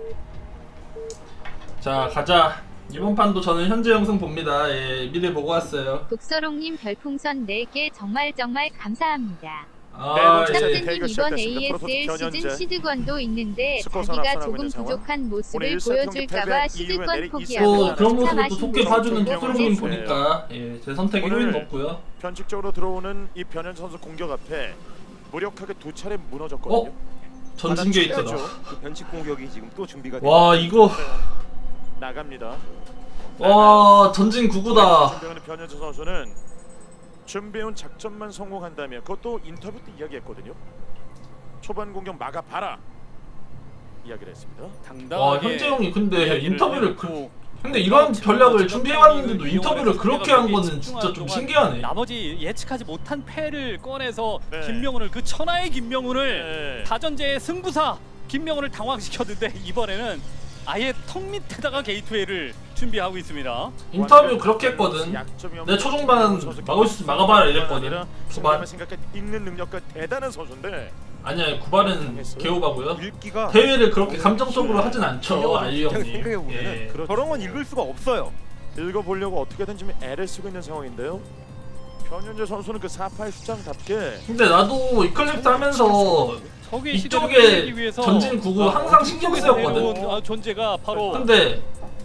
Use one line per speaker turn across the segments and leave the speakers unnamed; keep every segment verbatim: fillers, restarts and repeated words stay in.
자 가자. 이번 판도 저는 현재 영상 봅니다. 예, 미리 보고 왔어요.
독서롱님 별풍선 네 개 정말 정말 감사합니다.
아,
네,
예.
싹스님 이번 에이에스엘 시즌 시드권도 있는데 자기가 조금 부족한 모습을 보여줄까봐 시드권
또
포기하고
그런 모습을 또
참아신
좋게
거
봐주는
보고
독서롱님
그랬어요.
보니까 예, 제 선택이
오늘
효인 없고요.
변칙적으로 들어오는 이 변현 선수 공격 앞에 무력하게 두 차례 무너졌거든요.
어? 전진 게이트다.
그 변칙 공격이 지금 또 준비가
와 이거
나갑니다.
와 전진 구구다.
준비하는 변현재 선수는 준비해온 작전만 성공한다면 그것도 인터뷰 때 이야기했거든요. 초반 공격 막아봐라 이야기를 했습니다.
와 현재 형이 근데 인터뷰를 그 근데 이런 전략을 준비해왔는데도 인터뷰를 그렇게 한 거는 진짜 좀 신기하네.
나머지 예측하지 못한 패를 꺼내서
네.
김명훈을 그 천하의 김명훈을
네.
다전제의 승부사 김명훈을 당황시켰는데 이번에는 아예 턱 밑에다가 게이트웨이를 준비하고 있습니다.
인터뷰 그렇게 했거든. 내 초중반 막을 수 막아봐라 이랬거든. 구발
생각해 있는 능력과 대단한 선수인데
아니야 구발은 개오바고요.
읽기가
대회를 그렇게 감정적으로 하진 않죠 알리
그냥
형님.
생각해 보면은
예.
저런 건 읽을 수가 없어요.
읽어보려고 어떻게든 지금 애를 쓰고 있는 상황인데요. 변현재 선수는 그 사파의 수장답게
근데 나도 이클립스 하면서
적의 시대를
이쪽에
끝내기 위해서
전진 구구 항상 신경 쓰였거든.
내려온, 아, 존재가 바로
근데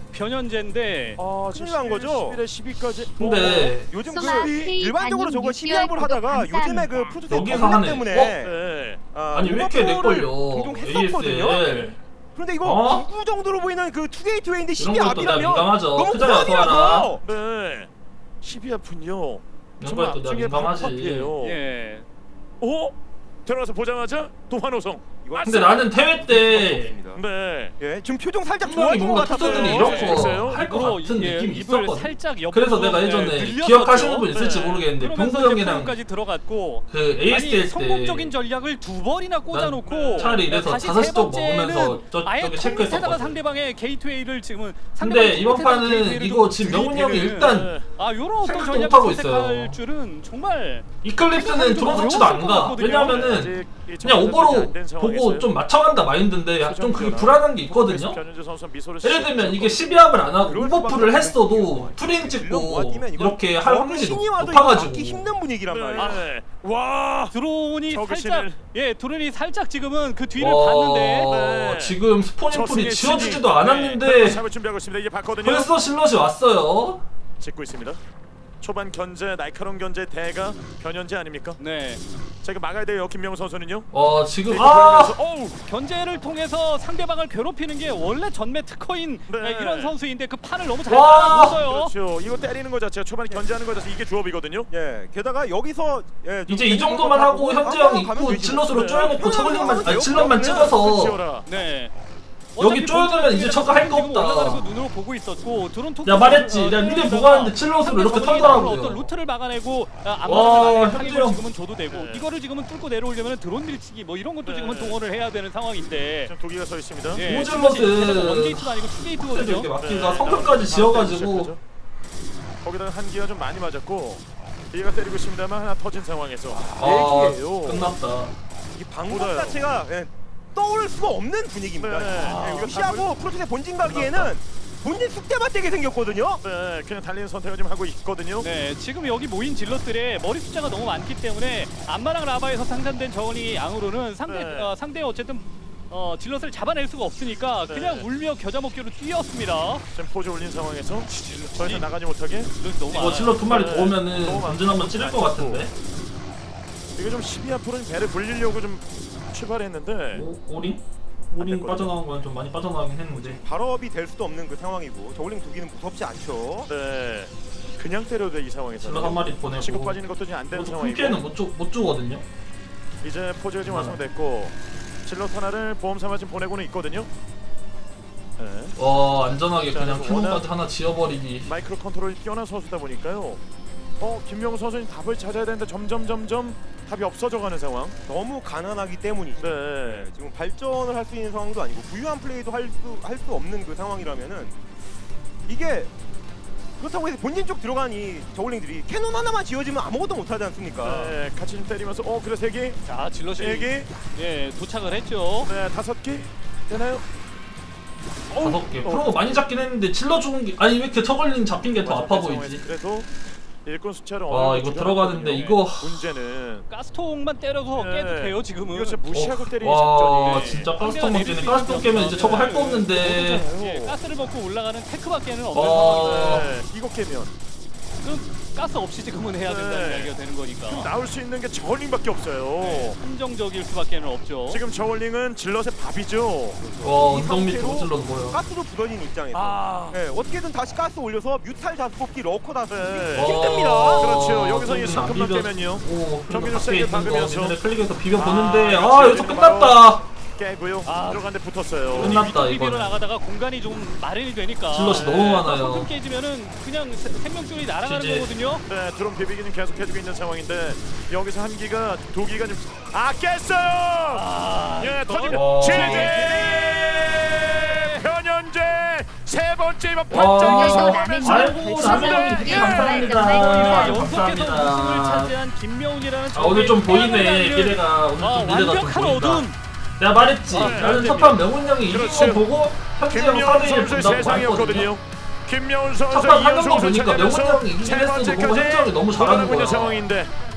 변현재인데
아,
큰일 난 거죠?
십일에 십이까지
근데
요즘 그
소마, K
일반적으로 저거
단임
십이합을
육개월
하다가
구독
요즘에 그
감사합니다.
프로듀서
여기서
경력
하네.
때문에
어?
네.
아,
아니 왜 이렇게 내
오버풀을
걸려?
종종 했었거든요.
에이에스엘
그런데 이거
어?
구구 정도로 보이는 그 투게이트웨이인데
이런 것도 내가
십이합이라면
민감하죠.
너무
투자야 소하라.
부담이라서
네. 십이 아픈요.
이런 것도 내가 민감하지.
예.
오? 들어가서 보자마자 또 환호성.
이거
근데 나는 대회 때
네.
예, 지금 표정 살짝
분명히
좋아진 것
뭔가
같았어요.
투수들이
네.
이런
있어요?
거 할 것
입으로,
같은
예,
느낌이
입을
있었거든.
살짝 옆으로
그래서 내가
네,
예전에
늘렸었죠.
기억하시는 분 있을지
네.
모르겠는데
그러면서
병도
이제
형이랑
프로까지 들어갔고
그
아니
에이에스엘 때
성공적인 전략을 두 번이나 꽂아놓고
차라리 이래서
다시
다섯
세
시 쪽
번째는
먹으면서 저-
아예
저기
턱
체크했었거든.
밑에다가 상대방의 게이트웨이를 지금은
근데 이번
밑에다가
판은
게이트웨이를
이거
좀
지금 명훈이 형이
들이대는
일단
아 요런 어떤
생각도
전략을
못하고
선택할
있어요.
줄은 정말
이클립스는 드론 설치도 안 가. 왜냐면은 그냥 오버로 보고 좀 맞춰간다 마인드인데 좀 그게 불안한 게 있거든요. 예를 들면 이게 십이합을 안 하고 오버풀을 했어도 프레임 찍고 이렇게 할 확률이
신이 와도 이거
높아가지고
막기 힘든 분위기란 말이야.
네. 와.
드론이
저그신을-
살짝 예 드론이 살짝 지금은 그 뒤를
와,
봤는데
네.
지금 스포닝 풀이
저승의
지어지지도
신이,
않았는데
네. 잡을 준비하고 있습니다. 이제 봤거든요.
벌써 실럿이 왔어요.
짓고 있습니다. 초반 견제, 날카로운 견제 대가 변현재 아닙니까?
네
자, 이거 막아야 돼요. 김명훈 선수는요.
와 지금
이거
아
보이면서, 어우.
견제를 통해서 상대방을 괴롭히는 게 원래 전매 특허인
네.
예, 이런 선수인데 그 판을 너무 잘
와.
따라줬어요.
그렇죠. 이거 때리는 거 자체가 초반에 견제하는 거 자체 이게 조업이거든요.
예, 게다가 여기서 예, 좀
이제 이
개인적으로
정도만 하고
가고
현재
가면
형이
가면
있고
되지.
질럿으로
네.
쪼여놓고 저글링만 아니
네.
질럿만 찍어서
치워라.
네.
여기 쪼여들면 이제 저거 할 거
지금 올라가는 거
없다.
눈으로 보고 있었고 드론 토크
야 말했지. 내가 미리 보고 왔는데 칠럿으로 이렇게
어떤
털더라고요.
루트를 막아내고
와,
안마를
현재
을
형.
지금은 줘도 되고
네.
이거를 지금은 뚫고 내려오려면 드론 밀치기 뭐 이런 것도
네.
지금은 동원을 해야 되는 상황인데
지금 독이가 서 있습니다.
예,
오질럿은
원게이트도 아니고
이렇게
투게이트거든요.
막기가
네.
성급까지 지어가지고
시작하죠. 거기다가 한기가 좀 많이 맞았고 뒤가 때리고 있습니다만 하나 터진 상황에서
아
얘기예요.
끝났다.
이 방법
몰라요.
자체가 예, 떠올 수가 없는 분위기입니다.
네.
예, 이거
아,
피하고 프로토스의 본진 가기에는 본진 숙대밭되게 생겼거든요.
네, 그냥 달리는 선택을 좀 하고 있거든요.
네, 지금 여기 모인 질럿들의 머리 숫자가 너무 많기 때문에 안마랑 라바에서 상산된 저울링의 양으로는 상대
네.
어, 상대 어쨌든 어, 질럿을 잡아낼 수가 없으니까
네.
그냥 울며 겨자 먹기로 뛰었습니다.
지금 포즈 올린 상황에서 더 이상 나가지 못하게
질럿이 너무
이거
많아요.
질럿 두 마리 더
네.
오면은
너무
완전 한번 찌를 것 같은데.
이거 좀 십이 앞으로는 배를 불리려고 좀 출발했는데
오, 오링? 오링
됐거든요.
빠져나온 건 좀 많이 빠져나가긴 했는데.
발업이 될 수도 없는 그 상황이고 저울링 두 기는 무섭지 않죠.
네, 그냥 때려도 돼 이 상황에서
질럿 한 마리 보내고.
치고 빠지는 것도 지금 안 되는
큰
상황이고
피해는 못, 주, 못 주거든요.
이제 포즈가 지금 완성됐고 질럿 하나를 보험 삼아 지금 보내고는 있거든요. 네.
와 안전하게
자,
그냥
그래서
캐논까지 하나 지어버리기.
마이크로 컨트롤이 뛰어난 선수다 보니까요. 어 김명훈 선수는 답을 찾아야 되는데 점점 점점 답이 없어져가는 상황.
너무 가난하기 때문이죠.
네.
지금 발전을 할 수 있는 상황도 아니고 부유한 플레이도 할 수 할 수 없는 그 상황이라면은 이게 그렇다고 해서 본진 쪽 들어간 이 저울링들이 캐논 하나만 지어지면 아무것도 못하지 않습니까?
네, 같이 좀 때리면서 어 그래 세 개,
자, 질럿이
네 개,
예, 도착을 했죠.
네 다섯 개 되나요?
다섯 개. 프로가 많이 잡긴 했는데 질러 죽은 게 아니 왜 이렇게 저걸링 잡힌 게 더 아파 보이지?
그래도 일꾼 숫자를
와,
어느
이거
정도
들어가는데
줄여놨거든요.
이거-
문제는
가스통만 때려서
네.
깨도 돼요 지금은.
이거 진짜 무시하고 때리는
와
작전이
진짜 가스통 먹기는 가스통 깨면 이제 저거 할 거 없는데.
예, 가스를 먹고 올라가는 테크밖에는 없는
어.
상황인데
네, 이거 깨면
그럼 가스 없이 지금은 해야 된다는
네.
이야기가 되는 거니까
나올 수 있는 게 저울링밖에 없어요.
네, 한정적일 수밖에는 없죠.
지금 저울링은 질럿의 밥이죠.
와
이
운동 밑에
상태로
오질러도 뭐야?
가스로 부서진 입장에서
아,
네, 어떻게든 다시 가스 올려서 뮤탈 다섯 뽑기, 러커 다섯 뽑기
네.
힘듭니다.
와,
그렇죠. 여기서 이
좀
성큼만
비벼-
깨면요.
오,
경기를
그리고
세게
밖에 있는 거
박으면서.
민현의 클릭해서 비벼
아,
보는데 아,
역시
여기서 끝났다.
깨고요.
아.
들어간데 붙었어요.
끝났다,
비비로
이거는.
나가다가 공간이 좀 마련이 되니까
질럿이 너무 많아요.
성큼 깨지면은 그냥 세- 생명줄이 날아가는
지지.
거거든요.
네, 드론 비비기는 계속 해주고 있는 상황인데 여기서 한 기가 두 기가 좀 아 깼어요.
아,
예,
이거-
터지면
와.
지지. 변현재 세 번째 이번
와,
판정에서
아이고 라면이 되게 감사합니다.
아, 연속해서
감사합니다.
우승을 차지한 김명훈이라는
아 오늘 좀
저기에
보이네
태양을
미래가 오늘
아,
좀 미래가 좀
완벽한
보인다.
어둠.
내가 말했지.
아,
나는
네.
첫판 명훈 형이 이긴
그렇죠.
거 보고 현지 형
김명훈
사 대 일
선수의
본다고 했거든요.
세상이었거든요. 김명훈 선수
첫판 하는 거
이연승
보니까 명훈 형이 이긴 했어도 보고 현지 형이 너무
돌아가고 있는
잘하는 거야.
상황인데